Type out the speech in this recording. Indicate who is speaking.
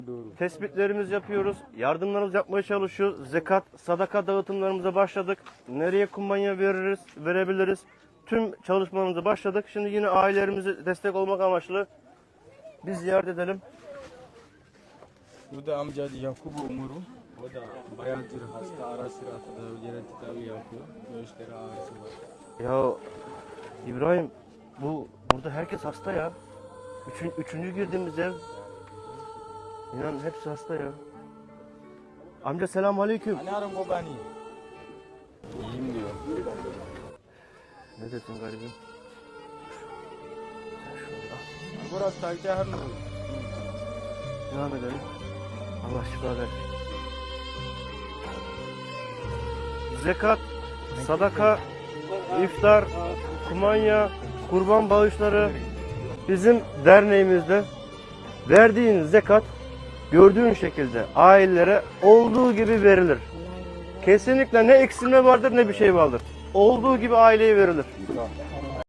Speaker 1: Tespitlerimizi yapıyoruz. Yardımlarımızı yapmaya çalışıyoruz. Zekat, sadaka dağıtımlarımıza başladık. Nereye kumbanya verebiliriz. Tüm çalışmalarımıza başladık. Şimdi yine ailelerimize destek olmak amaçlı biz ziyaret edelim.
Speaker 2: Bu da amca Yakubu Umuru. O da bayağıdır hasta, ara sıra tedavi yapıyor. Göğüsleri ağrısı var.
Speaker 1: Ya İbrahim, burada herkes hasta ya. Üçüncü girdiğimiz ev. İnan hepsi hasta ya. Amca selamünaleyküm.
Speaker 2: Hani arım babani? İyiyim diyor.
Speaker 1: Ne desin garibim?
Speaker 2: Burası takipte her nuru.
Speaker 1: Devam edelim. Allah şifa versin. Zekat, sadaka, iftar, kumanya, kurban bağışları bizim derneğimizde verdiğin zekat gördüğün şekilde ailelere olduğu gibi verilir. Kesinlikle ne eksilme vardır ne bir şey vardır. Olduğu gibi aileye verilir.